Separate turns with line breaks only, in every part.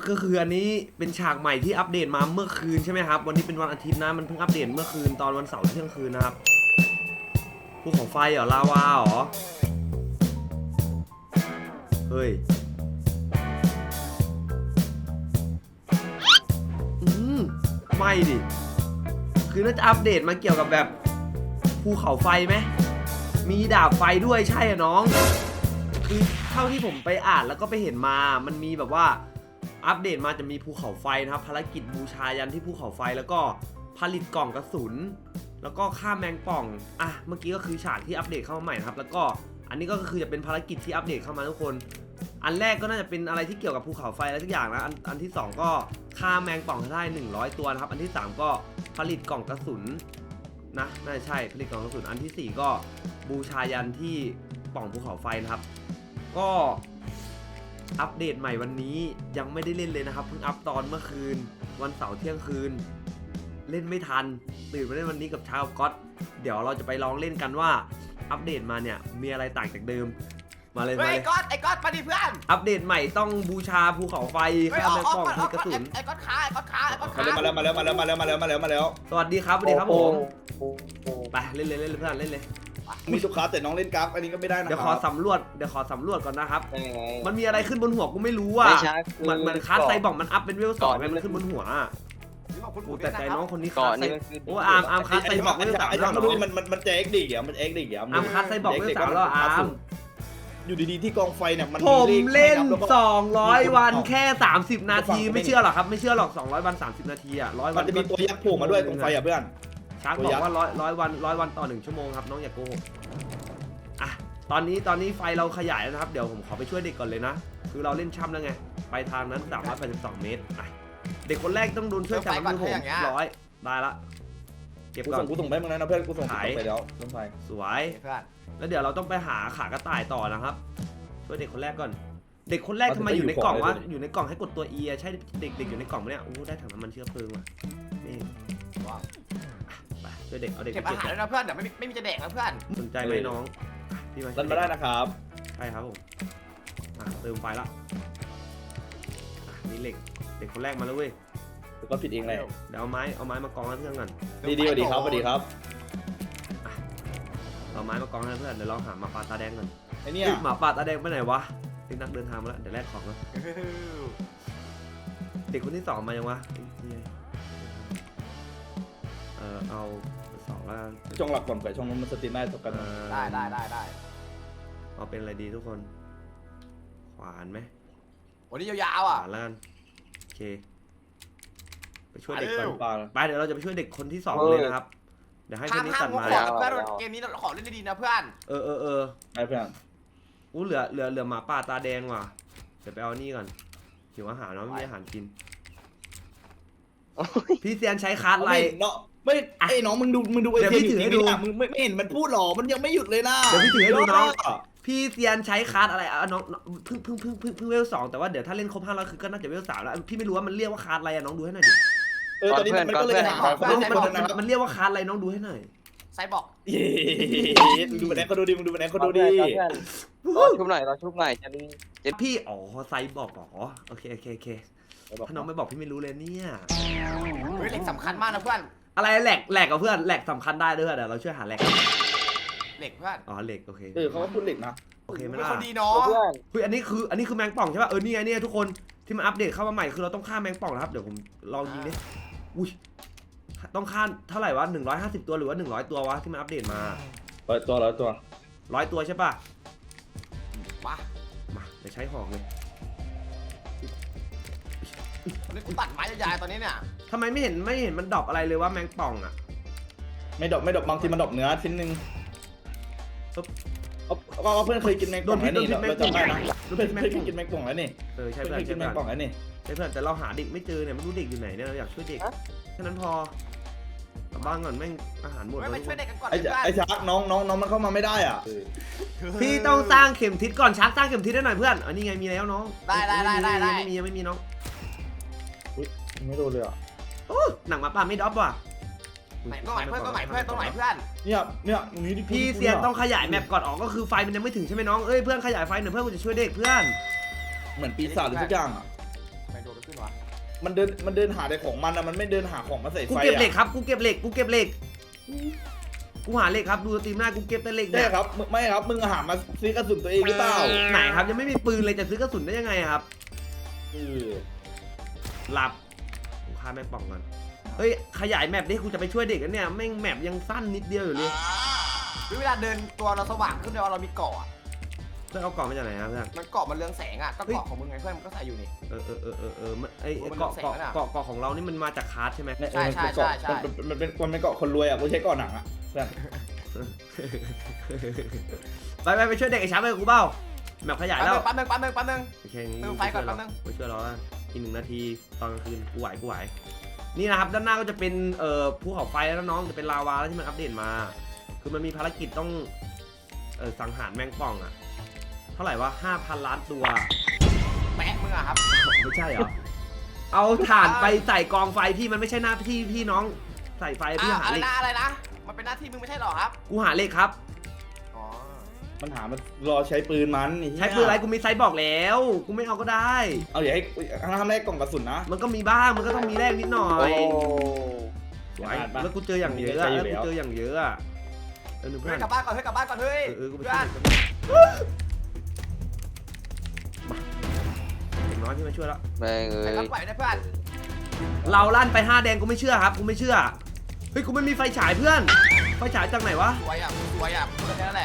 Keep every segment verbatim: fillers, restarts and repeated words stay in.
ก็คืออันนี้เป็นฉากใหม่ที่อัปเดตมาเมื่อคืนใช่ไหมครับวันนี้เป็นวันอาทิตย์นะมันเพิ่งอัปเดตเมื่อคืนตอนวันเสาร์เที่ยงคืนนะครับภูเขาไฟเหรอลาวาเหรอเฮ้ยอืมไม่ดิคือน่าจะอัปเดตมาเกี่ยวกับแบบภูเขาไฟไหมมีดาบไฟด้วยใช่อะน้องคือเท่าที่ผมไปอ่านแล้วก็ไปเห็นมามันมีแบบว่าอัปเดตมาจะมีภูเขาไฟนะครับภารกิจบูชายันที่ภูเขาไฟแล้วก็ผลิตกล่องกระสุนแล้วก็ฆ่าแมงป่องอ่ะเมื่อกี้ก็คือฉากที่อัปเดตเข้ามาใหม่นะครับแล้วก็อันนี้ก็คือจะเป็นภารกิจที่อัปเดตเข้ามาทุกคนอันแรกก็น่าจะเป็นอะไรที่เกี่ยวกับภูเขาไฟอะไรทุกอย่างนะอันอันที่สองก็ฆ่าแมงป่องให้ได้หนึ่งร้อยตัวนะครับอันที่สามก็ผลิตกล่องกระสุนนะน่าจะใช่ผลิตกล่องกระสุนอันที่สี่ก็บูชายันที่ป่องภูเขาไฟนะครับก็อัปเดตใหม่วันนี้ยังไม่ได้เล่นเลยนะครับเพิ่งอัปตอนเมื่อคืนวันเสาร์เที่ยงคืนเล่นไม่ทันตื่นมาเล่นวันนี้กับชาวก๊อตเดี๋ยวเราจะไปลองเล่นกันว่าอัปเดตมาเนี่ยมีอะไรต่างจากเดิมมาเลยมาเลย
ไอ้ก๊อตไอ้ก๊อตมาดิเพื่อน
อัปเดตใหม่ต้องบูชาภูเขาไฟฆ่าแมงป่องผลิตกระสุน
ไอ้ก๊อตขาไอ้ก๊อตขาไอ้ก๊อตขา
มาแล้วมาแล้วมาแล้วมาแล้วมาแล้วมาแล้วมาแล้ว
สวัสดีครับสวัสดีครับผมไปเล่นเลยเล่นเลยเพื่อนเล่นเลย
มีทุกคลาสแต่น้องเล่นกราฟอันนี้ก็ไม่ได้นะ
เดี๋ยวขอสำรวจเดี๋ยวขอสำรวจก่อนนะครับ
ยังไง
มันมีอะไรขึ้นบนหัวกูไม่รู้อ่ะ
ไม่ใช่
เหมือนเหมือนคาสไซบอกมันอัพเป็นเวลสองไงมันขึ้นบนหัวกูแต่ใจน้องคนนี้คา
ก่อ
ส
น
ไซ
นี่มันคือ
โอ้อาร์มอาร์มคาสไซบอกเวลสาม
ไอ้
แล้ว
น้อง
น้
ดู
อง
มันมันมันจะเอ็กดีเดี๋ยวมันเอ็กดีเดี๋ยว
อาร์มคาสไซบอกเวลสามแล้วอาร์ม
อยู่ดีๆที่กองไฟเนี่ยมัน
ผมเล่นสองร้อยวันแค่สามสิบนาทีไม่เชื่อหรอครับไม่เชื่อหรอกสองร้อยวันสามสิบนาทีอ่ะร้อยวั
มัน นจะมีตัวยักษ์โผล่มาด้วยตรงไฟอ่ะเพื่อน
ชาร์กบอกว่าร้อยร้อยวันร้อยวันต่อหนึ่งชั่วโมงครับน้องอย่าโกหกอ่ะตอนนี้ตอนนี้ไฟเราขยายแล้วนะครับเดี๋ยวผมขอไปช่วยเด็กก่อนเลยนะคือเราเล่นช่ำแล้วไงไปทางนั้นสามร้อยแปดสิบสองเมตรอ่ะเด็กคนแรกต้องโดนช่วยจากน้ำมือผมร้อยได้ละเก็บ
กู
ก่อ
ส่
น
งกูส่งไปมึงนะเพื่อนกูส่งไปแล้วต้นไฟ
สวย
เพื่อน
แล้วเดี๋ยวเราต้องไปหาขากระต่ายต่อนะครับช่วยเด็กคนแรกก่อนเด็กคนแรกทำไมอยู่ในกล่องวะอยู่ในกล่องให้กดตัว E ใช่เด็กเด็กอยู่ในกล่องไหมเนี่ยโอ้ได้ถังน้ำมันเชื้อเพลิงว่ะนี่ไปช่วยเด็กเอาเด็ก
เก็บ
ไป
อาหารด้วยนะเพื่อนเดี๋ยวไม่ไม่มีจะแดกนะเพื่อน
สนใจไหมน้องพี่มา
รันมาได้นะครับ
ใช่ครับผมเติมไฟละนี่เหล็กเด็กคนแรกมาแล้วเว้ย
ก็ผิดเองเลย
เดี๋ยวเอาไม้เอาไม้มากองให้เพื่อนก่อน
ดีดีสวัสดีครับสวัสดีครับ
เอาไม้มากองให้เพื่อนเดี๋ยวเราหาหมาป่าตาแดงก่อน
ไอ้นี่
หมาป่าตาแดงไปไหนวะเป็นนักเดินทางมาแล้วเดี๋ยวแลกของนะเด็กคนที่สองมายังวะเออเอาสองแล้ว
ช่องหลักก่อนไปช่องนู้นมันสตรีมได้ตกกัน
ได้ได้ได้ได้
เอาเป็นอะไรดีทุกคนขวานไหม
วันนี้ยาวๆ
ข
อ่ะ
วานแล้วกันโอเคไปช่วยเด็กก่อน
ปลา
ไปเดี๋ยวเราจะไปช่วยเด็กคนที่สองเลยนะครับเดี๋ยวให้ค
ห้าม
นนี้
ห้า
ตั
ม
ด
งก
ไม้
ขอเพื่อนเกมนี้ขอเล่นดีๆนะเพื่อน
เออเออเออ
ไอ้เพื่อน
อู้เหลือเหลือเหลือหมาป่าตาแดงว่ะเดี๋ยวไปเอานี่ก่อนหิวอาหารเนาะไม่มีอาหารกินพี่เซียนใช้คาร์ดอะไร
เนาะไม่ไอ้น้องมึงดูมึงดูไอ้
เดี๋ยวพี่ถือให้ดู
มึงไม่เห็นมันพูดหรอมันยังไม่หยุดเลยนะ
เดี๋ยวพี่ถือให้ดูน้อง พี่เซียนใช้คาร์ดอะไรอ่ะน้องเพิ่งเพิ่งเพิ่งเพิ่งเพิ่งเวลสองแต่ว่าเดี๋ยวถ้าเล่นครบห้าร้อยคือก็น่าจะเวลสามแล้วพี่ไม่รู้ว่ามันเรียกว่าคาร์ดอะไรอ่ะน้องดูให้หน่อยดิ
เออตอนนี้มันก็เลยหา
มัน
ค
มัน
นนะครับ
มันเรียกว่าคาร์ดอะไรน้องดูให้หน่อย
ไซบอก
เย้มึงดูแบนเขาดูดิมึงดูแบนเขาดูดิ
รอชุบหน่อยรอชุบหน่อยจะดี
พี่อ๋อไซบอกอ๋อโอเคโอเคโอเคถ้าน้องไม่บอกพี่ไม่รู้เลยเนี่ย
เฮ้ยเหล็กสำคัญมากนะเพื่อน
อะไรแหลกแหลกกับเพื่อนแหลกสำคัญได้ด้วยเดี๋ยวเราช่วยหาแหลก
เหล็กเพื่อน
อ๋อเหล็กโอเค
เออเขาก็พูดเหล็กนะ
โอเคไหม
เป็น
ล่ะ
คนดีเนาะ
เพื่อน
เฮ้ยอันนี้คืออันนี้คือแมงป่องใช่ป่ะเออนี่ไงเนี่ยทุกคนที่มันอัปเดตเข้ามาใหม่คือเราต้องฆ่าแมงป่องนะครับเดี๋ยวผมลองยิงดิอุ้ยต้องฆ่าเท่าไหร่วะหนึ่งร้อยห้าสิบตัวหรือว่าหนึ่งร้อยตัววะที่มันอัปเดตมา
ร้อยตัวร้อยตัว
ร้อยตัวใช่ป่ะ
มา
มาเดี๋ยวใช้หอกเลย
วันนี้กูตัดไม้ยาวๆตอนนี้เนี่ย
ทำไมไม่เห็นไม่เห็นมันดรอปอะไรเลยว่าแมงป่องอ่ะ
ไม่ดอกไม่ดอกบางทีมันดอกเนื้อชิ้นหนึ่งก็เพื่อนเคยกินแมงป่องแล้วนี่เราจำได้นะเพื่อนเคยกินแมงป่องแล้วนี่
เออใช่
เพื่อน
เพื่อน
เคยกิ
ใช่
นแม
เพื่อน
งป่องแล้วนี่
ใช่เพื่อนแต่เราหาเด็กไม่เจอเนี่ยไม่รู้เด็กอยู่ไหนเนี่ยเราอยากช่วยเด็กแค่นั้นพอกลับบ้านก่อนแม่งอาหารหมด
ไม่
แล้ว
ไปช่วยเด็กกันก่อน
ไอ้
เพื่อน
ไอ้ชักน้องน้องน้องมันเข้ามาไม่ได้อ่ะ
พี่ต้องสร้างเข็มทิศก่อนชักสร้างเข็มทิศได้หน่อยเพื่อนอันนี้ไงมีแล้วน้อง
ได้ได้ได้ได้ได้
ไม่มียังไม่มีน้อง
ไม่โดนเลยอ่ะ
โอ้หนังหมาป่าไม่ดรอปว่ะ
ไหนต้องไหนเพื่อนต้องไหนเพื่อนต้องไหนเพื่อน
เนี่ยเนี่ยตรงนี้ที่
พี่เซียนต้องขยายแมปก่อนออกก็คือไฟมันยังไม่ถึงใช่ไหมน้องเอ้ยเพื่อนขยายไฟหน่อยเพื่อนกูจะช่วยเด็กเพื่อน
เหมือนปีศาจหรือทุกอย่างอ่ะ
ไปดูขึ้นวะ
มันเดินมันเดินหาแต่ของมันอะมันไม่เดินหาของมาใส่ไฟ
กู
อะ
เก็บเหล็กครับกูเก็บเหล็กกูเก็บเหล็กกูหาเหล็กครับดูสตรีมหน้ากูเก็บแต่เหล็ก
ใช่
เนี่ย
ครับมึงไม่ครับมึงหามาซื้อกระสุนตัวเองหรือเปล่า
ไหนครับยังไม่มีปืนเลยจะซื้อกระสุนได้ยังไงครับ
เออ
หลับกูฆ่าแม่งป่องก่อนเฮ้ยขยายแมปดิกูจะไปช่วยเด็กกันเนี่ยแม่งแมปยังสั้นนิดเดียวอยู่เลย
เวลาเดินตัวเราสว่างขึ้นเลยว่าเรามีเกาะอะ
เพื่อนเอากล่องมาจากไหนครับเพื่อน
มันเกาะมันเรืองแสงอ่ะก็เกาะของมึงไงเพื่อนมันก็ใส่อยู่นี่
เออเออเออเออเออมันไอ
โอ้มัน
เกาะ
แสง
เกาะ
แล้วน่ะ
เกาะเกาะของเรานี่มันมาจากคาร์ดใช่ไหม
เนี่ย
ใช่ใช่
มันเป็นเกาะ
ใช่ใช่
มันเป็นมันเป็นมันเป็นเกาะคนรวยอ่ะกูใช้เกาะหนังอ่ะเพื่อน
ไปไปไปช่วยเด็กไอ้ช้างไปกับกูเบ้าแมปขยายแล้ว
ปั๊มนึงปั๊มนึงปั๊มนึง
โอเคงี้
เติมไฟก่อนแป๊บนึง
ไปช่วยเราอีกหนึ่งนาทีตอนกลางคืนกูไหวกูไหวนี่นะครับด้านหน้าก็จะเป็นเอ่อภูเขาไฟแล้วน้องจะเป็นลาวาแล้วที่มันอัปเดตมา คือมันมีภารกิจต้องเออสังหารแมงป่องอะเท่าไหร่วะห้าพันล้านตัว
แปะมึงอะครับ
ไม่ใช่เหรอ เอาถ่านไปใส่กองไฟพี่มันไม่ใช่หน้าที่พี่น้องใส่ไฟพี่
อ่ะ
หา
อะไร
เหล็ก
นะอะไรนะมันเป็นหน้าที่มึงไม่ใช่หรอครับ
กูหาเหล็กครับ
อ๋อ
มันหามันรอใช้ปืนมันไอ้เหี้ย
ใช้ปืนอะไรกูมีไซส์บอกแล้วกูไม่เอาก็ได้
เอาอย่าให้ทำแรกกล่องกระสุนนะ
มันก็มีบ้างมันก็ต้องมีแลกนิดหน่อ
โอ้
ย
โห
สวยแล้วกูเจออย่างเยอะอะแล้วกูเจออย่างเยอะอะเออหนึ่งเพื่
เฮ้
อย น
กลับบ้านก่อนเฮ้ยกลับบ้านก่อนเฮ้ย
เออเออกูไป
เพื่
ช่
อ
วย
น
เด็กมาเด็กน้อยพี่มาช่วยแล้ว
แม่งเอ้
ใส่
ย
กระเป๋าได้เพื่อน
เราลั่นไปห้าแดงกูไม่เชื่อครับกูไม่เชื่อเฮ้ยกูไม่มีไฟฉายเพื่อนไฟฉายจากไหนวะ
สวยอ่ะสวยอ่ะพูดแค่นั้นแหละ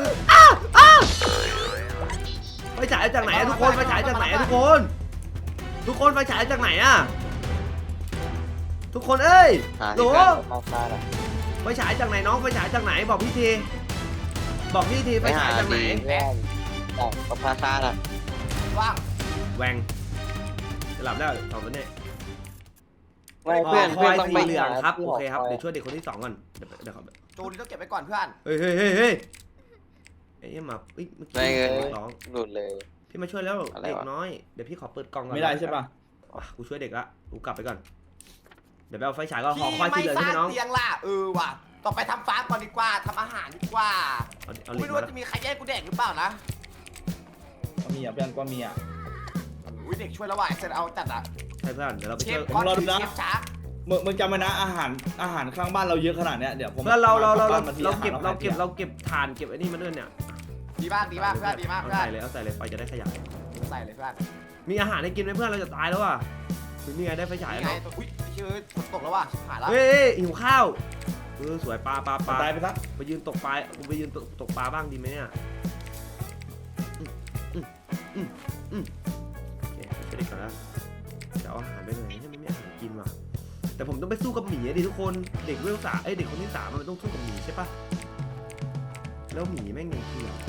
ไฟฉายจากไหนอะทุกคนไฟฉายจากไหนอะทุกคน ทุกคนไฟฉายจากไหนอะทุกคนเอ้ย
หา
โหล
ที่การเข้าซ่าละ
ไฟฉายจากไหนน้องไฟฉายจากไหนบอกพี่ทีบอกพี่ทีไฟ
ไปหา
ฉายจากไหน
ดีแม่งจากประภาคารอ่ะ
ว่าง
แหวงจะหลับได้สองคนเนี่ย
ไม่เพื่อน
ค
เพื่
อ
อน
ย
ต้อง
สี
ไป
เหลืองครับ
ที่
โอ
ห
เคครับ
ย
เดี๋ยวช่วยเด็กคนที่สองก่อนเดี๋ยวเดี๋ยวเขา
จูนต้องเก็บไว้ก่อนเพื่อน
เฮ้ยเฮ้ยเฮ้ยเฮ้ยไอ้ยมาเอ้ยเมื่อ
แม่ง
กี้
เอ้ย
ร้อง
หลุดเลย
พี่มาช่วยแล้ว
อะไร
เด็ก
วะ
น้อยเดี๋ยวพี่ขอเปิดกล่องก่อน
ไม่ได้ใช่ป่ะ
อ่ะกูช่วยเด็กละกูกลับไปก่อนเดี๋ยวไปเอาไฟฉายก็หอ
ที่
คอยสี
ไม่
เหลือง
ส
ใช่
ร้า
ไหมน้อง
งเตียงล่ะเออว่ะต่อไปทำฟาร์มก่อนดีกว่าทำอาหารดีกว่า
เอาเอาเหล็
ไม่
ก
รู้
มา
ว่าจะมีใครแย่งกูแดกหรือเปล่านะ
ก็มีอ่ะเพื่อนก็มีอ่ะ
อุ้ยเด็กช่วยแล้วว่ะเสร็จเอาจัดอ่ะ
ใช่เพื่อนเดี๋ยวเราไป
เช
ช่ว
ฟ
ย
ก้อน
รอดูนะ
เชฟช้า
มึงมึงจำไว้นะอาหารอาหารข้างบ้านเราเยอะขนาดเนี้ยเดี๋ยวผม
เพื่อนเราเราเราเรา
บ้นมที
เรา
อห
เก็บ
อ
เราเก็บ
ห
เราเก็บถ่านเก็บไอ้นี่มาด้วยเนี่ย
ดีมากดีมากเพื่อนดีมาก
เอา
เพื่อน
ใส่เลยเอาใส่เลยไฟจะได้ขยาย
ใส่เลยเพื่อน
มีอาหารให้กินไหมเพื่อนเราจะตายแล้วอ่ะนี่ไงได้ไฟฉาย
นี่
แล้ว
ไง
เนาะ
ตัวอุ้ยชื่อฝนตกแล้วว่ะหายแล้ว
เฮ้ยเฮ้ยหิวข้าวเออสวยปลาปลาปลา
ตายไปซะ
ไปยืนตกปลากูไปยืนตกตกปลาบ้างดีไหมเนี่ยอืมอืมอืมอืมโอเคไปช่วยเด็กก่อนนะจะเอาอาหารไปไหนให้มันไม่มีอาหารกินว่ะแต่ผมต้องไปสู้กับหมีอะดิทุกคนเด็กเวลสามไอยเด็กคนที่สามมันต้องสู้กับหมีใช่ปะแล้วหมีแม่งยังเถื่อน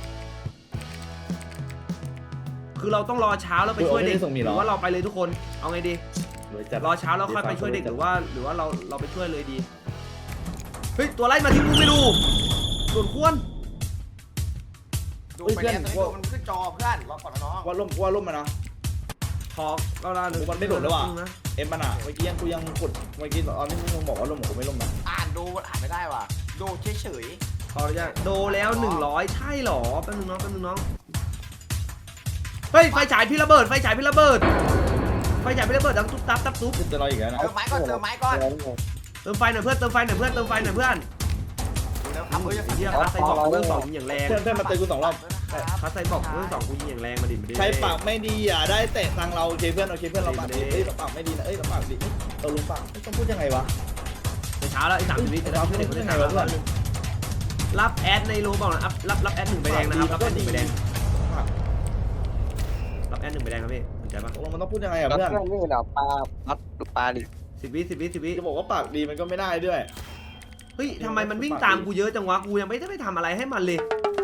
คือเราต้องรอเช้าแล้วไปช่วยเด็กหรือว่าเราไปเลยทุกคนเอาไงดี
รวยจัด
รอเช้าแล้วค่อยไปช่วยเด็กหรือว่า หรือว่าเราเราไปช่วยเลยดีเฮ้ยตัวไล่มาที่กูไม่ดูส่วนควร
ดูไปแล้วตอนนี้ดูมันขึ้นจอเพื่อนรอก่อนนะน้อง
ว่าล่มว่าล่มมานะ
ทอกเราได้เลย
มันไม่โดดแล้วว่ะ
นะ
เอ็มมันอ่ะเมื่อกี้ยังกูยังกดเมื่อกี้ตอนนี้มึงบอกว่าล่มผมไม่ล่มนะ
อ่านดูอ่านไม่ได้ว่ะดูเฉย
พอหรือยังโดแล้วหนึ่งร้อยใช่หรอแป๊บนึงน้องแป๊บนึงน้องเฮ้ยไฟฉายพี่ระเบิดไฟฉายพี่ระเบิดไฟฉายพี่ระเบิดดังตุ๊บตับตับตุ๊บ
จะรออีกแล้ว
ๆ
นะ
เติมไม้ก่อนเติมไม้ก่อน
เติมไฟหน่อยเพื่อนเติมไฟหน่อยเพื่อนเติมไฟหน่อยเพื่อน
ดูแล้วครับเฮ้ย
ไอ้เหี้ยคัสไซบอกเรื่องสองยิงอย่างแรง
เพื่อนเพื่อนมาเตะกูสองรอบ
คัสไซบอกเรื่องสองกูยิงอย่างแรงมาดิมาดิ
ใครปากไม่ดีอ่ะได้เตะตังเราโอเคเพื่อนโอเคเพื่อนเราปากดีเอ้ยเราปากไม่ดีนะเอ้ยเราปากดีเราลุงปากต้องพูดยังไงวะ
ในเช้าแล้วอีกสามสิบวิจะได้ช่วยเด็กคนที่สามแล้วรับแอดในโลบอกนะรับรับรับแอดหนึ่งใบแดงนะครับรับแอดหนึ่งใบแดงรับแอดหนึ่งใบแดงครับพี่สนใจปะ
ตกลงมันต้องพูดยังไงอ่ะ
แล้ว
เพื่อน
เพื่อนนี่เหราปลาพัดดูปลาดิ
สิบวิสิบวิสิบวิ
จะบอกว่าปากดีมันก็ไม่ได้ด้วย
เฮ้ยทำไมมันวิ่งตามกูเยอะจังวะกูยังไม่ได้ไปทำอะไรให้มันเลย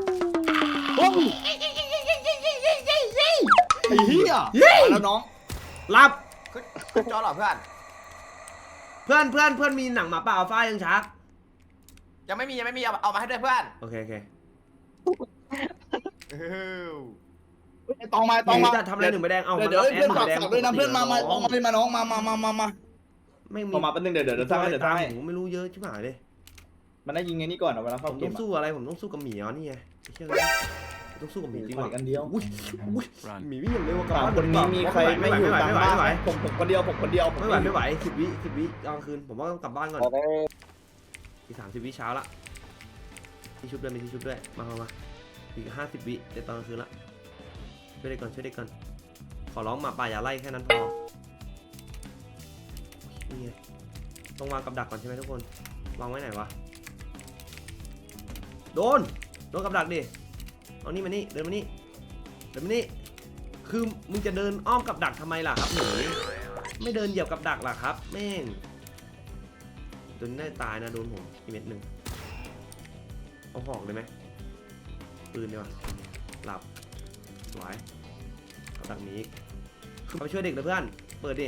ไอ้เหี้ยแล้วน้อง
รับ
ขึ้นจอเหรอเพื่อน
เพื่อนเพื่อนเพื่อนมีหนังหมาป่าอัลฟายังชัก
ยังไม่มียังไม่มีเอาเอามาให้ด้วยเพื่อน
โอเคโอเค
ตองมาตองมา
จะทำอะไรหนึ่งใบแดงเอา
เดี๋ยว
มา
เดี๋ยว
รับแอด
เพื่อน
หนึ่ง
ฝาก
ใบแดง
ฝากด้วยนะเพื่อนมามาตองมาเลยมาน้องมามามามามา
ไม่มี
ต่อมาแป๊บนึงเดี๋ยวเดี๋ยวเดี๋ยวสร้างให้เดี๋ยวสร้างให้
ผมไม่รู้เยอะชิบหายเลย
มันได้ยิงไงนี่ก่อนเอาเวลา
ผ
เข้าม เก
ต้อ
ม
งสู้อะไรผมต้องสู้กับหมีอ๋อนี่ไงไอ้เชื่อต้องสู้กับหมีจริง
ปล่
ว่ะ
อยกันเดียว
อุ้ยอุ้ยหมีวิ่งอย่างเร็วกว่า
สามคนนี้มีใครไม่อยู่กลางบ้านไหมผมผมคนเดียวผมคนเดียว
ไม่ไหวไม่ไหวสิบวิสิบวิกลางคืนผมว่าต้องกลับบ้านก่อน
เอาได้
อีกสามสิบวิเช้าละที่ชุบด้วยมีที่ชุบด้วยมามามาอีกห้าสิบวิเดี๋ยวตอนกลางคืนละช่วยเด็กก่อนช่วยเด็กก่อนขอร้องหมาป่าอย่าไล่แค่นั้นพอนี่ไงต้องวางกับดักก่อนใช่ไหมทุกคนวางไว้ไหนวะโดนโดนกับดักดิเอานี่มานี่เดินมานี่เดินมานี่คือมึงจะเดินอ้อมกับดักทำไมล่ะครับหนูไม่เดินเหยียบกับดักล่ะครับแม่งตัวนี้น่าจะตายนะโดนผมอีกเม็ดหนึ่งเอาหอกเลยไหมปืนดีกว่าหลับสวยกับดักนี้คือไปช่วยเด็กเลยเพื่อนเปิดดิ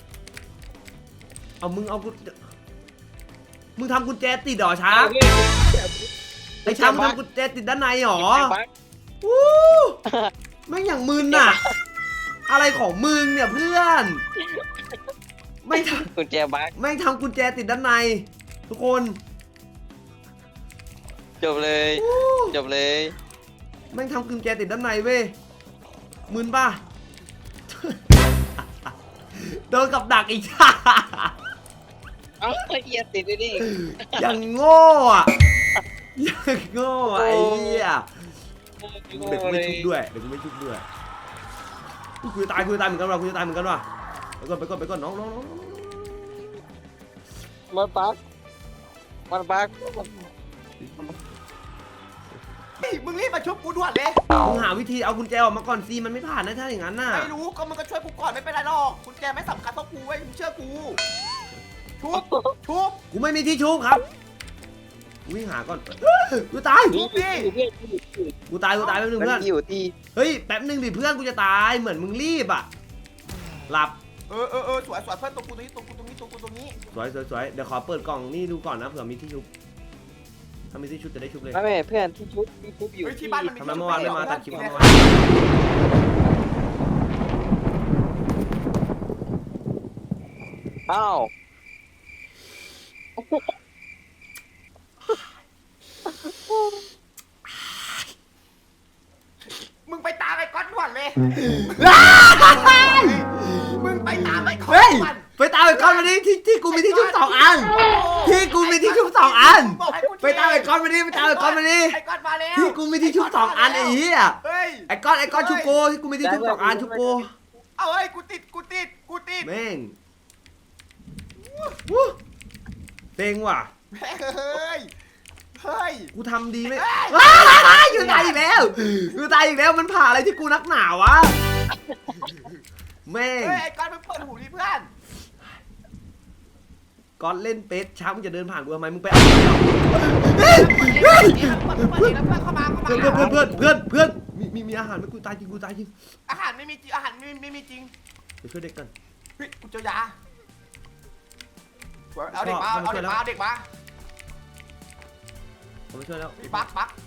เอามึงเอากูมึงทำกุญแจติดหรอช้าไอ้ช้ามึงทำกุญแจติดด้านในหรอวู้แม่งอย่างมึนน่ะอะไรของมึงเนี่ยเพื่อนไม่ท
กุญแจบัก
ำไม่ทำกุญแจติดด้านในทุกคน
จบเลยจบเลย
ไม่ทำกุญแจติดด้านในเว้ยมึนป่ะ โดนกับดักอีก
เอ้าไอ้เหี้ยติดด้วยดิ
ยังโง่อะยังโง่อะไอ้เหี้ยเด็กไม่ชุบด้วยเด็กไม่ชุบด้วยกูจะตายกูจะตายเหมือนกันว่ะกูจะตายเหมือนกันว่ะไปก่อนไปก่อนไปก่อนน้องน้องน้อง
มันบักมันบัก
เฮ้ยมึงรีบมาชุบกูด่วนเลย
มึงหาวิธีเอากุญแจออกมาก่อนสิมันไม่ผ่านนะถ้าอย่างนั้นน่ะ
ไม่รู้ก็มึงก็ช่วยกูก่อนไม่เป็นไรหรอกกุญแจไม่สำคัญเท่ากูเว้ยมึงเชื่อกูชุบชุบ
กูไม่มีที่ชุบครับกูวิ่งหาก่อนกูตาย
ชุบดิ
กูตายกูตายแป๊บนึง
มัน
เพื่อน
อยู่ที่
เฮ้ยแป๊บนึงดิเพื่อนกูจะตายเหมือนมึงรีบอ่ะหลับ
เออเออเออสวยสวยเพื่อนตรงกูตรงนี้ตรงกูตรงนี้ตรงกูตรงนี้
สวยสวยสวยเดี๋ยวขอเปิดกล่องนี่ดูก่อนนะเผื่อมีที่ชุบถ้ามีที่ชุบจะได้ชุบเลย
ไม่ไม่เพื่อนที่ชุบที่ชุบอยู่
เฮ้ยที่
ที่
บ้านมันมี
ทำไมเมื่อวานไม่มาตัดคลิปเมื่อวาน
อ้าว
มึงไปตามไอ้ก๊อตด่วนเลยมึงไปตามไอ้ก๊อต
เฮ้ย
ด่วน
ไปตามไอ้ก้อนมาดิที่ที่กูมีที่ชุบสองอันที่กูมีที่ชุบสองอันไปตามไอ้ก้อนมาดิไปตามไอ้ก้อนมาดิ
ไอ้ก๊อตมาแล้ว
ที่กูมีที่ชุบสองอันไอ้เหี้ย
เฮ้ย
ไอ้ก้อนไอ้ก้อนชุบโกที่กูมีที่ชุบสองอันชุบโก
เอาเฮ้ยกูติดกูติดกูติด
แม่งวู้เต็งว่ะ
แม่งเฮ้ยเฮ้ย
กูทำดีไหมว้ายอยู่ตายอีกแล้วอยู่ตายอีกแล้วมันผ่าอะไรที่กูนักหนาวะแม่ง
เฮ้ยไอ้ก๊อตมึงเปิดหูดิเพื่อน
ก้อนเล่นเป็ดช้ามึงจะเดินผ่านกูทำไมมึงไปเอาเดียว
เฮ้ยเปิดดิเปิดดิแล้วเพื่อนเข้ามาเข้า
เพื่อน
มา
เพื่อนเพื่อนเพื่อนเพื่อนมีมีมีอาหารไหมกูตายจริงกูตายจริง
อาหารไม่มีจริงอาหารไม่ไม่มีจริง
เดี๋ยวช่วยเด็กกัน
เฮ้ยกูเจอยาเอาเด็กมาเอาเด็กมาเอาเด็กมา
ผมไม่ช่วยแล้ว
ปักปัก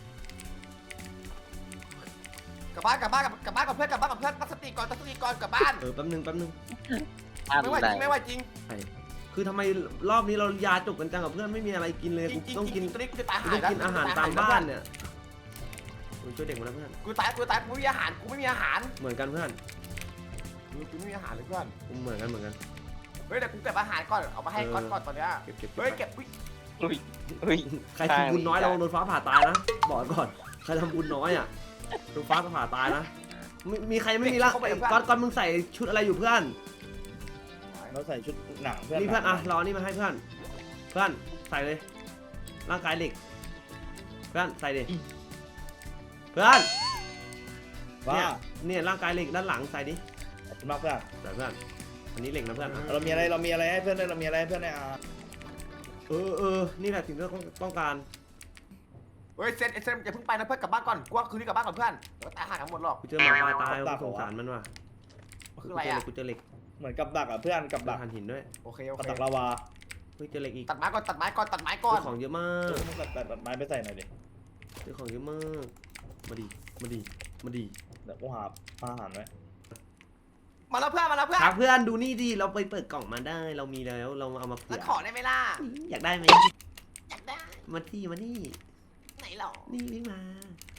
กลับบ้านกลับบ้านกลับบ้านกับเพื่อนกลับบ้านกับเพื่อนตั้งสติก่อนตั้งสติก่อนกลับบ้าน
เออแป๊บนึงแป๊บนึง
ไม่ไหวจริงไม่ไหวจริง
คือทำไมรอบนี้เรายาจบกันจังกับเพื่อนไม่มีอะไรกินเลย
จ
กู
ริงจริง
ต้อง
จ
กิ
ริ
น
งตอนนี้กูจะตาย
กู
หาย
ต้องกินอาหารตามบ้านเนี่ยกูช่วยเด็กมาแล้วเพื่อน
กูตายกูตายกูไม่มีอาหารกูไม่มีอาหาร
เหมือนกันเพื่อน
กูไม่มีอาหารเลยเพื่อน
กูเหมือนกันเหมือนกัน
เฮ้ยเดี๋ยวกูเก็บอาหารก่อนเอามาให้ก่อนก่อนตอนเนี้ย
เก็บเก็บ
เฮ้ยเก็บ
อุ้ยอุ้ย
ใครทำบุญน้อยเราโดนฟ้าผ่าตายนะบอกก่อนใครทำบุญน้อยอ่ะโดนฟ้าผ่าตายนะมีมีใครไม่มีละก้อนก้อนมึงใส่ชุดอะไรอยู่เพื่อน
เราใส่ชุดหนังเพื่อน
นี่เพื่อนอ่ะรอนี่มาให้เพื่อนเพื่อนใส่เลยร่างกายเหล็กเพื่อนใส่ดิเพื่อน
ว่า
เนี่ยเนี่ยร่างกายเหล็กด้านหลังใส่ดิ
ขอบคุณมากเพื่อน
ใส่เพื่อนอันนี้เหล็กนะเพื่อนอ่ะ
เรามีอะไรเรามีอะไรให้เพื่อนด้วยเรามีอะไรให้เพื่อนในอา
เออเออนี่แหละสิ่งที่เราต้องการ
เฮ้ยเซนเซนอย่าเพิ่งไปนะเพื่อนกลับบ้านก่อนกูว่าคืนนี้กลับบ้านก่อนเพื่อนเดี๋ยวตายหาทั้งหมดหรอก
กูเจอหมาตายตายกูสงสารมันว่ะ
คืออะไรอ่ะ
กูเจอเหล็ก
เหมือนกับดักอ่ะเพื่อนกับ
กูเจ
ดั
อก หันหินด้วย
โอเคโอ
กับ
เค
ดักลาวา
เฮ้ยเจอเหล็กอีก
ตัดไม้ก่อนตัดไม้ก่อนตัดไม้ก่อน
ของเยอะมา
เอก อมึงตัดตัดตัดไม้ไปใส่หน่อยดิ
เจอของเยอะมากมาดีมาดีมาดี
เดี๋ยวกูหาอาหารไว้
มาแล้วเพื่อนมาแล้วเพื่อน
ครับเพื่อนดูนี่ดิเราไปเปิดกล่องมาได้เรามีแล้วเราเอามาเผื่
แล้ว
อ
ขอได้ไหมล่ะ
อยากได้ไหม
อยากได้
มาที่มานี่
ไหนหรอ
นี่วิ่งมา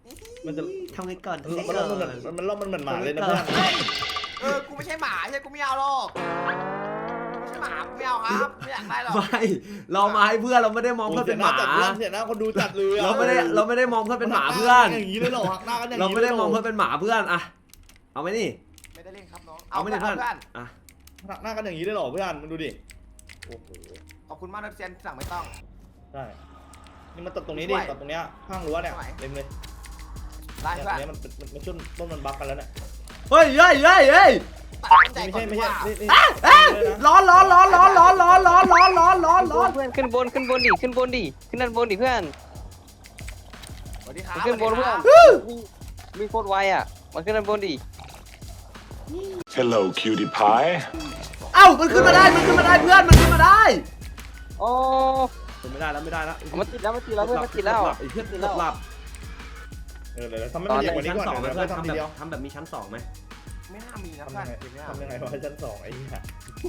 มันจะ
ทำไงก่อน
มันมันมันมันมันมันเหมือนหมาเลยนะเพื่อน
เออกูไม่ใช่หมาใช่กูไม่เอาหรอกไม่ใช่หมากูไม่เอาครับไม่อยากได้หรอก
ไม่เรามาให้เพื่อนเราไม่ได้มองเพื่อนเป็นหมา
เสียหน้าคนดูจัดเลย
เราไม่ได้เราไม่ได้มองเพื่อนเป็นหมาเพื่อน
อย่างนี้เลยหรอหักหน้ากันอย่าง
เรา
นี้
ไม่ได้มองเพื่อนเป็นหมาเพื่อนอะเอาไหมนี่
ไม่ได้เล่นครับน้อง
เอาไหมนี่เพื่อน
เพื่อน
อะ
หักหน้ากันอย่างนี้เลยหรอเพื่อนมึงดูดิ
โอ้โห
ขอบคุณมากนะเซียนสั่งไม่ต้อง
ใช่นี่มันตัดตรงนี้ดิตัดตรงเนี้ยข้างรั้วเนี่ยเต็มเลย
ได้
เนี่ย
เพื่อน
เนี้ยมันมันมันช่วงต้นมันบักกันแล้วเนี่ย
เฮ้ยเฮ้ยเฮ้ยเฮ้ย
ตัดต้นใจ
ไม่
ก่อ
ใช่
น
ไม่
ดีก
ใช่
ว่า
นี่นี่
อ่ะอ่ะร้อนร้อนร้อนร้อนร้อนร้อนร้อนร้อนร้อนร้อนร้อน
เพื่อนขึ้นบนขึ้นบนดิขึ้นบนดิขึ้นด้านบนดิเพื่อน
สวัสดีครับ
ขึ้นบน
สวัส
เพื่
ดี
อ
คน รับ
มีโคตรไวอ่ะมาขึ้นด้านบนดิ
Hello, cutie pie.
เอ้ามันขึ้นมาได้มันขึ้นมาได้เพื่อนมันขึ้นมาได้
โอ้
ขึ้นไม่ได้แล้วไม่ได้แล้ว
มันติดแล้วมันติดแล้วเพื่อนมันติดแล้ว
ไอ้เพื่อนเกือบหลับ
เออเดี๋ยวทำให้มันใหญ่กว่านี้
ชั้น
ก่อน
สองไหม
เดี๋ยว
เพื่อน
เรา
ทำ
ทำที
แบ
เดียว
บทำแบบมีชั้นสองไหม
ไม่น่ามีนะ
ทำ
เพื่อ
ยั
น
งไง
เดี๋ยวไม่เอา
ทำยังไงวะชั้นสองไอ้เหี้ย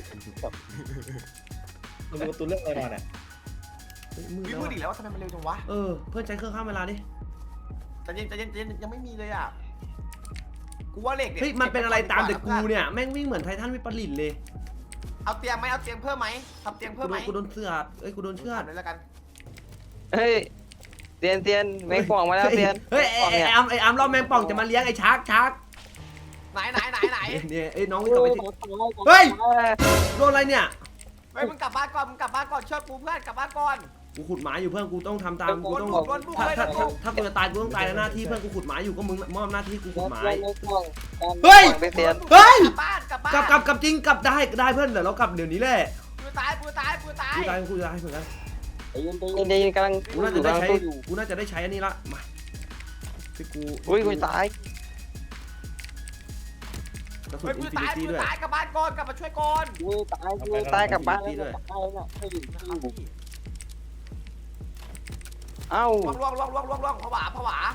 มึงดูตัวเรื่องอะไรมาเนี่ย
เฮ้ยมืด
วิ
แล้ว
มืดอีก
อะ
แล้วทำไมมันเร็วจังวะ
เออเพื่อนใช้เครื่องข้ามเวลาดิ
แต่เย็นแต่เย็นแต่เย็นยังไม่มีเลยอ่ะกูว่าเหล็ก
เฮ้ยมันเป็นอะไรตามแต่กูเนี่ยแม่งวิ่งเหมือนไททันวิปริตเลย
เอาเตียงไหมเอาเตียงเพิ่มไหมทำเตียง
กู
เพิ่ม
โด
ไหม
นกูโดนเสือดเอ้ยกูโดนเชือด
ทำเลยแล้วกัน
เฮ้ยเตียนเตียนแมงป่องมาแล้วเตียน
เฮ้ยไอ้ไอ้ไอ้อัมไอ้อัมรอบแมงป่องจะมาเลี้ยงไอ้ชักชัก
ไหนไหนไหนไหน
เนี่ยไอ้น้อง
โอ้
วิ่งกลับไป
ย
ที่
เฮ้ย
โดนอะไรเนี่ย
เฮ้ยมึงกลับบ้านก่อนมึงกลับบ้านก่อนเชื่อกูเพื่อนกลับบ้านก่อน
กูขุดหมาอยู่เพื่อนกูต้องทำตามกูต้อง
โดนบุกโดนบุก
ถ้า
เลย
ถ้า
โดนบุก
ถ้ากูจะตายกูต้องตายในหน้าที่เพื่อนกูขุดหมาอยู่ก็มึงมอบหน้าที่กูขุดหมา
เฮ้
เฮ้
ย
ย
เตียน
เฮ้ย
กลับบ้านกลับบ้าน
กลับกลับกลับจริงกลับได้ได้เพื่อนเดี๋ยวเรากลับเดี๋ยวนี้แหละ
กูตายกูตายกูตาย
กูตายกูตายเหมือนกัน
ใจเย็นใจเย็นใจเย็นกำลัง
กูน่าจะได้ใช้
กำลังสู้อยู่
กูน่าจะได้ใช้อันนี้ละมาที่กู
อุ้ยกูตาย
กระสุน
เฮ้ย
อิ
กู
นฟิ
ตา
นิ
ย
ตี้
กู
ด้วย
ตายกลับบ้านก่อนกลับมาช่วยก่อน
กูตายกูตายกลับบ้านแล้วตายแล้วไม่อยู่เอ้า
ล่วงล่วงล่วงล่วงล่วงผวาผวา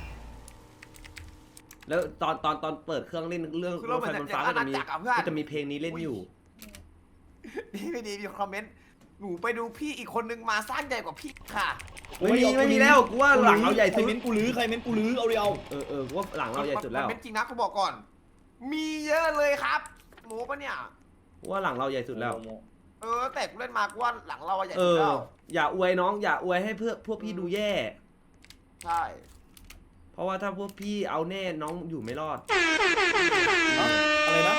แล้วตอนตอนตอนเปิดเครื่องเล่นเรื่อง
คือ
ร
เรา
ถ
เหมื
ไฟ
อน
บน
อย่า
ฟ้าง ก็
อา
จะ
ณา
มี
จักรอ่ะเพื่อน
ก็จะมีเพลงนี้เล่นอยู่
นี่ไม่ดีมีคอมเมนต์หนูไปดูพี่อีกคนนึงมาสร้างใหญ่กว่าพี่ค่ะ
ไม่มีไม่มีแล้วกูว่าหลังเราใหญ่
ใคร
สุด
เม้นกูลื้อใครเม้นกูลื้อเอาเดียว
เออเออกูว่าหลังเราใหญ่สุดแล้ว
มันเป็นจริงนะเขาบอกก่อน มีเยอะเลยครับหมูปะเนี่ย
กูว่าหลังเราใหญ่สุดแล้ว
เออแต่กูเล่นมากูว่าหลังเราอะใหญ่
เอ
สุด
อ
แล้ว
อย่าอวยน้องอย่าอวยให้เพื่อพวกพี่ดูแย่
ใช่
เพราะว่าถ้าพวกพี่เอาแน่น้องอยู่ไม่รอด
อะไรนะ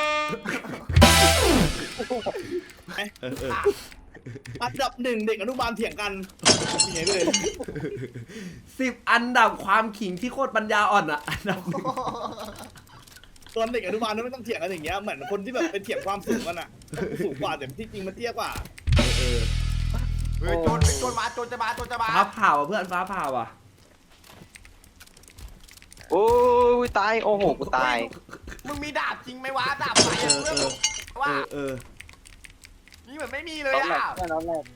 เออเออ
อันดับหนึ่งเด็กอนุบาลเถียงกันยังไงไปเลย
สิบอันดับความขิงที่โคตรปัญญาอ่อนอ่ะอันดับหนึ่ง
ตอนเด็กอนุบาลนั้นไม่ต้องเถียงกันอย่างเงี้ยเหมือนคนที่แบบเป็นเถียงความสูงกันอ่ะสูงกว่าแต่ที่จริงมันเตี้ยกว่า
เออ
เฮ้ยโจรโจรมาโจรจะมาโจรจะมา
ฟ้าผ่าว่ะเพื่อนฟ้าผ่าว่ะ
โอ้ยตายโอ้โหกูตาย
มึงมีดาบจริงไหมวะดาบไฟ
เอ
อะ
อ
เพื่อน
เออ
ว่า
เออเออ
นี่เหมือนไม่มีเลย
น้องแร
อ่ะ
กเพื่อนน้องแรก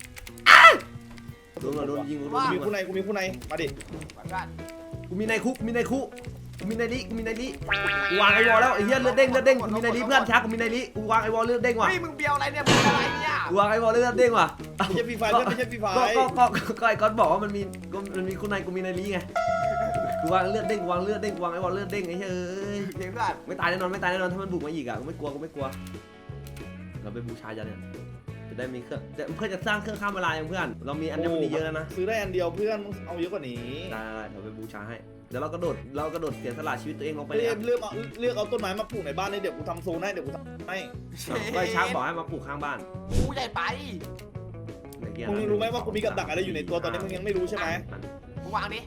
โดนโดนยิงโดน
กู
ยิ
มี
ง
คู่ในกูมีคู่ในมาดิ
เพื่อน
กูมีในคุกมีในคุกกูมีในลิกูมีในลิกูวางไอวอลแล้วไอ้เหี้ยเลือดเด้งเลือดเด้งกูมีในลิเพื่อนชักกูมีในลิกูวางไอวอลเลือดเด้งว่ะ
เฮ้ยมึงเบียวอะไรเนี่ยมึงอะไรเนี่ย
กูวางไอวอลเลือดเด้งว่ะ
ไม่ใช่ฟรีไฟเพื่อนไม่ใช่ฟรีไฟ
ก็ก็ก็ก็ไอ้ก๊อตบอกว่ามันมีมันมีคุณนายกูมีในลิไงกูวางเลือดเด้งกูวางเลือดเด้งกูวางไอวอลเลือดเด้งไอ้เฮ้ย
เดี๋ยวเพื่อน
ไม่ตายแน่นอนไม่ตายแน่นอนถ้ามันบุกมาอีกอ่ะกูไม่กลัวกูไม่กลัวเราไปบูชายันเนี่ยจะได้มีเครื่องเพื่อจะสร้างเครื่องข้ามเวลาอย่างเพื่อนเรามีอันนี้มันเยอะแล้วนะ
ซื้อได้อันเดียวเพื่อนมึงเอาเยอะกว่านี้
ได้เดี๋ยวไปบูชาให้เดี๋ยวเรากระโดดเรากระโดดเสียสละชีวิตตัวเองลงไป
เลื
เลย
อกเลือกเอาเลือกเอาต้นไม้มาปลูกในบ้านเลยเดี๋ยวกูทำโซนให้เดี๋ยวกูทำให้
ก็ช้างบอกให้มาปลูกข้างบ้าน
กูใหญ่ไป
มึงรู้ไหมว่ากูมีกับดักอะไรอยู่ในตัวตอนนี้มึงยังไม่รู้ใช่ไหม
มึงวางดิ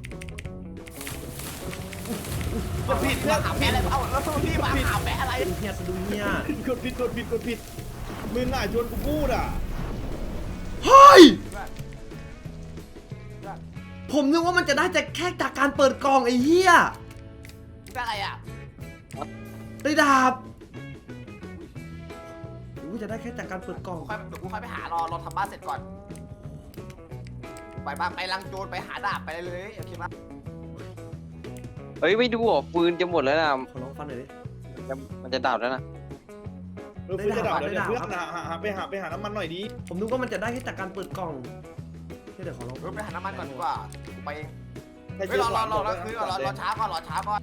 มันผิดเรื่องหาแพ้อะไรเอาแล้วพี่มาหาแพ้อะไร
เป็นเฮียสะดุ้งเฮีย
กดผิดกดผิดกดผิดมึงน่ะชวนกูพูดอ่ะ
เฮ้ยผมนึกว่ามันจะได้แต่แค่จากการเปิดกล่องไอ้เหี้ย
ได้อะไรอ่ะ
ได้ดาบหรือว่าจะได้แค่จากการเปิดกล่อง
กูค่อยเดี๋ยวกูค่อยไปหารอรอทำบ้านเสร็จก่อนไปบ้านไปลังโจรไปหาดาบไปเลยโอเคปะ
เฮ้ยไม่ดูเหรอปืนจะหมดแล้วนะ
ขอลองฟันหน่อยดิ
จะมันจะดับแล้วนะ
เออเพื่อนจะดับแล้วเนี่ยเพื่อนหาหาหาไปหาไปหาน้ำมันหน่อยดิ
ผมนึกว่ามันจะได้แค่จากการเปิดกล่องเดี๋ยวขอลอง
เออไปหาน้ำมันก่อนดีกว่ากูไปเอง
ให้
เฮ้ย
เจ๊
รอ
ข
รอ
วาน
รอรอคือรอรอช้าก่อนรอช้าก่อน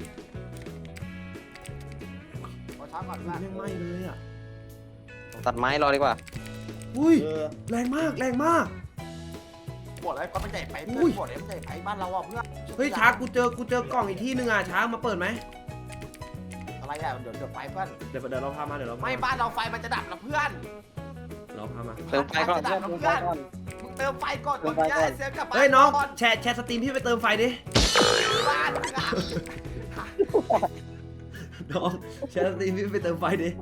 รอช้าก่อน
อุ้ยแม่งไหม้เลยอ่ะ
ตัดไม้รอดีกว่า
อุ้ย
เออ
แรงมากแรงมาก
ปวดอะไรก็ไม่ใหญ่ไป
อุ้
เพื่อย นปวดอะไรไม่ใหญ่ไปบ้านเราอ่ะเพื่อน
เฮ้ยช้างกูเจอกูเจอกล่องอีกที่หนึ่งอ่ะช้างมาเปิดไหม
อะไรอ่ะเดี๋ยวเดี๋ยวไฟเพื่อน
เดี๋ยวเดี๋ยวเราพามาเดี๋ยวเราพา
ไม่
มา
บ้านเราไฟมันจะดับนะเพื่อน
เราพามา
เติมไฟก่อน
จะดั
เพื่อบ น
นะ
เติมไฟ
เพื่อน
ก่อน
มึงเติมไฟก่อน
เติ
ตอ
ม
น
ไฟ
นี้
ก่อน
ไอ้เซฟกลับบ้าน
เฮ้ยน้อง
ก่อน
แชร์แชร์สตรีมพี่ไปเติมไฟดิ
บ้านมึงอ่ะ
น้องแชร์สตรีมพี่ไปเติมไฟดิ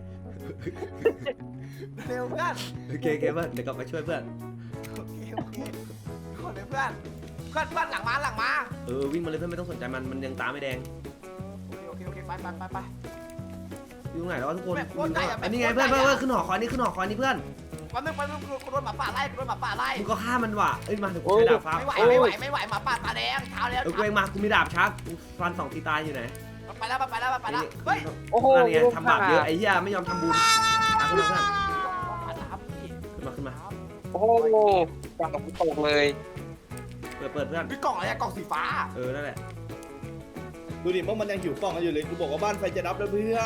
เร็วเพื่อน
โอเคโอเคเพื่อนเดี๋ยวกลับมาช่วยเพื่อน
โอเคโอเคขอเลยเพื่อนเพื่อนเพื่อนหลังมาหลังมา
เออวิ่งมาเลยเพื่อนไม่ต้องสนใจมันมันยังตาไม่แดง
โอเคโอเคโอเคไปไปไปไป
อยู่ตรงไหนแล้ววะทุกคน
แม่งโคตรใหญ่อะ
อันนี้ไง
แม่
เพื่อง น
โคตรใหญ่
เพื่อน
อะ
เพื่อนขึ้นหอคอยนี่ขึ้นหอคอยนี่เพื่อน
วันนึงวันนึงกูโดนหมาป่าไล่กูโดนหมาป่าไล่
มึงก็ฆ่ามันว่ะเอ้ยมาเดี๋ยวกูใช้ดาบฟ้า
ไม่ไหว
เอ้ย
ไม่ไหวไม่ไหวหมาป่าตาแดงเท้าแล้ว
เออกูเองมากูมีดาบชักกูฟันสองทีตายอยู่ไหน
ไปแล้วไปแล้วไปแล้วเฮ้ย
โอ้โห
นั่นไงทำบาปเยอะไอ้เหี้ยไม่ยอมทำบุญอ่ะขึ้นมาเพื่อน
มาครับพี่
ขึ้นมาขึ้นมา
โอ้โหจับตกเลย
เปิดเปิดเพื่อน
พี่กล่องอะไรอะกล่องสีฟ้า
เออนั่นแหละ
ดูดิว่ามันยังหิวกล่องกันอยู่เลยกูบอกว่าบ้านไฟจะดับแล้วเพื่อน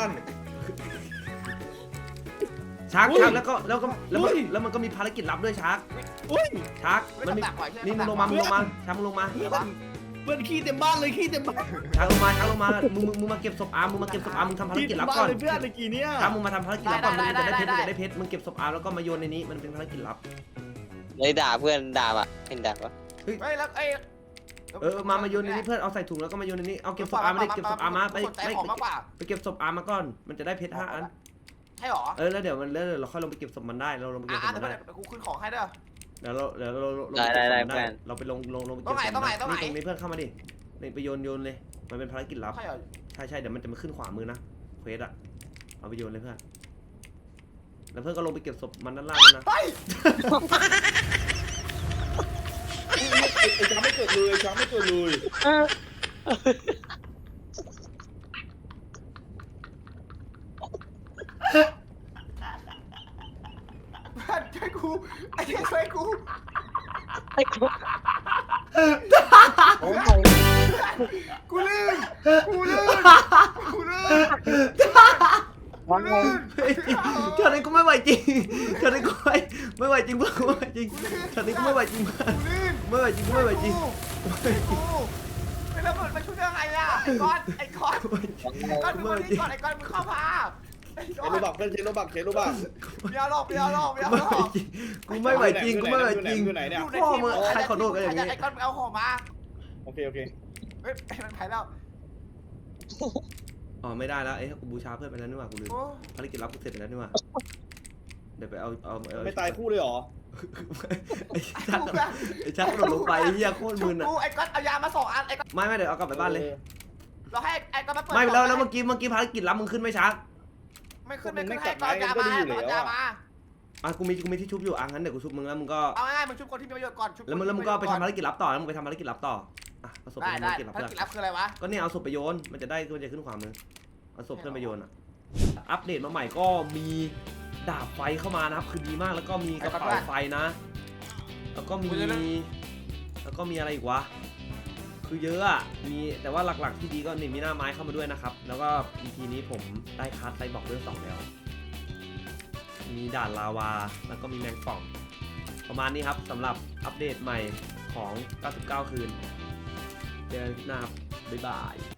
ชัก
อุ้ย
ชักแล้วก็แล้วก็แล้วมัน
อุ้ย
แล้วมันก็มีภารกิจลับด้วยชัก
อุ้ย
ชัก
ไม่
มัน
ต้อง
มี
ตักไว้ใช่ไหม
นี่มึงลงมามึงลงมาชักมึงลงมา
เพื่อนเพื่อนขี้เต็มบ้านเลยขี้เต็มบ้าน
ชักลงมาชักลงมามึงมึงมึงมาเก็บศพอาร์มมึงมาเก็บศพอาร์มมึงทำภาร
ขี้
กิจ
เต็ม
ลับ
บ้า
ก่อน
นเลยเพื่อนเมื่อกี้เนี้ย
ชักมึงมาทำภารกิจลับก่อนมึงจะได้เพชรมึงจะได้เพชรมึงเก็บศพอาร์มแล้วก็มาโยนในนี้มันเป็นภารกิจลับ
เลยด่าเพื่อนด่าอ่ะเห็นด่าปะ
เฮ้ยแล้วเอ้ย
เออมามาโยนในนี้เพื่อนเอาใส่ถุงแล้วก็มาโยนในนี้เอาเก็บศพอาร์มไม่ได้เก็บศพอาร์มมาไป
สนใจ
ไป
ของมากกว่า
ไปเก็บศพอาร์มมาก่อนมันจะได้เพชรห้าอัน
ใช่หรอ
เออแล้วเดี๋ยวมันแล้วเดี๋ยวเราค่อยลงไปเก็บศพมันได้เราลงไปเก็
อ่ะ
บศ
อ่ะ
พ
เดี๋
มั
ยวน
ได้
กูขึ้นของให้เด้อ
เดี๋ยวเราเดี๋ยวเราลง
ได้ได้ได้
เก็บศพมัน
เพื่อน
เราไปลงลงลงไป
ตรงไหน
เก็บศพ
ตรงไหน
มั
ตรงไหน
ตรงนี้เพื่อนเข้ามาดินี่ไปโยนโยนเลยมันเป็นภารกิจลับ
ใช่เหรอ
ใช่ใช่เดี๋ยวมันจะมาขึ้นขวามือนะเควสอะเอาไปโยนเลยเพื่อนแล้วเพื่อนก็ลงไปเก็บศพมันด้านล่างด้วยนะ
เฮ้ย
ไอ้ช้างไม่เกิดเลยช้างไม่เกิดเลย
เพื่อนช่วยกูไอ้เหี้ยช่วยกู
ไอ้กูโอ้ย
กูลื่นกูลื่นกูลื่น
วันไง
เฮ้ยตอนนี้กูไม่ไหวจริงตอนนี้กูไม่ไม่ไหวจริงเพื่อนกูไม่ไหวจริงตอนนี้กูไม่ไหวจริงเพื่อน
กูลื่น
ไม่ไหวจริงกูไม่ไหวจริง
กูไม่ระเบิดมาช่วยยังไงอ่ะไอ้ก้อนไอ้ก้อนก้อนมึงมาที่ก่อนไอ้ก้อนมึงเข้ามาไอ้
เช
ก้อ
โร
น
บักเพื่อนเชโรบักเชโรบัก
เบียร์หลอกเบียร์หลอกเบียร์หลอก
กูไม่ไหวจริงกูไม่ไหวจริง
อยู่ไหนเนี่ย
อยู่ใน
พ่อ
ทีม
มึงใครขอโทษกันอย่างนี้
ไอ้ก้อนมึงเอาของมา
โอเคโอเค
เฮ้ยมันไปแล้ว
อ๋อไม่ได้แล้วเอ้ยกูบูชาเพื่อนไปแล้วนี่หว่ากูลืม
โอ้
ภารกิจลับกูเสร็จไปแล้วนี่หว่าเดี๋ยวไปเอาเอาเอา
ไม่ตายคู่เลยเหรอ
ไอ้ชักไอ้ชักกระโดดลงไปเฮียโคตรมึนอ่ะ
กูไอ้ก้อนเอายามาสองอันไอ้ก้อน
ไม่ไม่เดี๋ยวเอากลับไปบ้านเลย
เราให้ไอ้ก้อนมาเปิด
ไม่แล้วแล้วเมื่อกี้เมื่อกี้ภารกิจลับมึงขึ้นไหมชัก
ไม่ขึ้นไม่ขึ้นให้ก้อนยามาเอายามา
อ่ะกูมีกูมีที่ชุบอยู่อ่ะงั้นเดี๋ยวกูชุบมึงแล้วมึงก็
เอาง่ายๆมึงชุบคนที่มีประโยชน์ก่อนชุบ
แล้วมึงแล้วมึงก็ไปทำภารกิจลับต่อแล้วมึงไปทำภารกิจลับต่ออ่ะเอาศพไป
ได้
ทำภา
ได้
รกิจลับ
ภาร
เพื่อน
กิจลับคืออะไรวะ
ก็เนี่ยเอาศพไปโยนมันจะได้มันจะขึ้นขวามือเอาศพเพื่อนไปโยนอ่ะอัปเดตมาใหม่ก็มีดาบไฟเข้ามานะครับคือดีมากแล้วก็มีกระเป๋าไฟนะ แล้วก็มีแล้วก็มีอะไรอีกวะคือเยอะอ่ะมีแต่ว่าหลักๆที่ดีก็นี่มีหน้าไม้เข้ามาด้วยนะครับแล้วก็ อี พี นี้ผมได้คัสไซบอร์กเรื่องสองแล้วมีด่านลาวาแล้วก็มีแมงป่องประมาณนี้ครับสำหรับอัปเดตใหม่ของเก้าสิบเก้าคืนเจอกันหน้าครับบ๊ายบาย